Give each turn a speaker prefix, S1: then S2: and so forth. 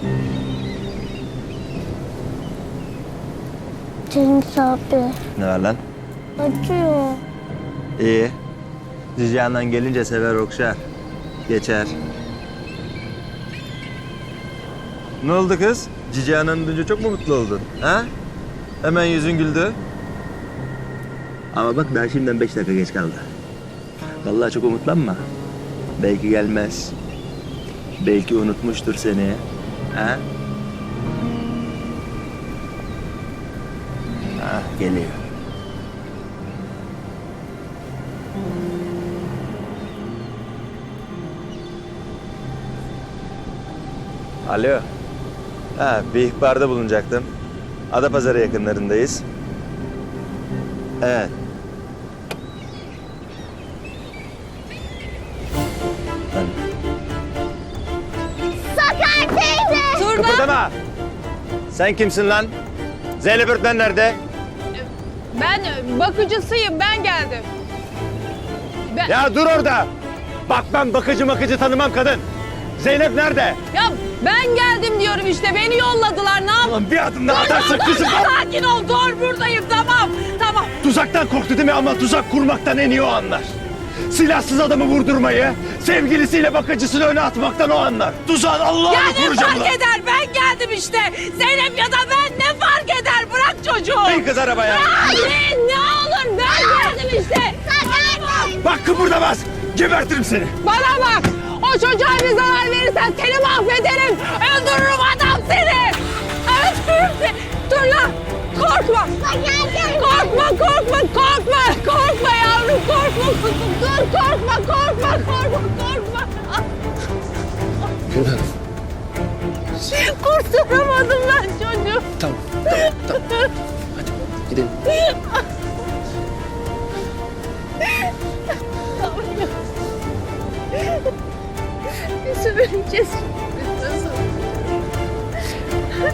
S1: Cengiz abi.
S2: Ne var lan?
S1: Acıyor.
S2: İyi. Cici anan gelince sever okşar. Geçer. Ne oldu kız? Cici ananı duyunca çok mu mutlu oldun? Ha? Hemen yüzün güldü. Ama bak daha şimdiden 5 dakika geç kaldı. Vallahi çok umutlanma. Belki gelmez. Belki unutmuştur seni. Ha? Ha, geliyor. Alo. Ha, bir ihbarda bulunacaktım. Adapazarı yakınlarındayız. Evet. Ben...
S1: Sakar teyze.
S2: Kıpırdama! Sen kimsin lan? Zeynep öğretmen nerede?
S3: Ben bakıcısıyım, ben geldim.
S2: Ya dur orada! Bak ben bakıcı tanımam kadın. Zeynep nerede?
S3: Ya ben geldim diyorum işte, beni yolladılar, ne yap?
S2: Ulan bir adım daha atarsak kızım.
S3: Sakin ol, dur buradayım, tamam, tamam.
S2: Tuzaktan korktu değil mi? Ama tuzak kurmaktan en iyi o anlar. Silahsız adamı vurdurmayı, sevgilisiyle bakıcısını öne atmaktan o anlar. Tuzağın
S3: Ya
S2: Allah'ını
S3: ne
S2: koruyacağım
S3: fark
S2: ulan.
S3: eder, ben geldim işte. Zeynep ya da ben, ne fark eder, bırak çocuğu.
S2: Bin kız arabaya.
S3: Ya ne olur, ben geldim işte. Sakar.
S2: Bak kıpırdamaz. Gebertirim seni.
S3: Bana bak, o çocuğa bir zarar verirsen seni mahvederim. Öldürürüm adam seni. Öldürürüm seni. Dur lan, korkma. Korkma, korkma, korkma. Korkma yavrum, korkma. Dur, korkma, korkma, korkma, korkma.
S4: Gülhan.
S3: Kurtaramadım ben çocuğu.
S4: Tamam. Hadi gidelim.
S3: Nasıl vereceğiz? Nasıl?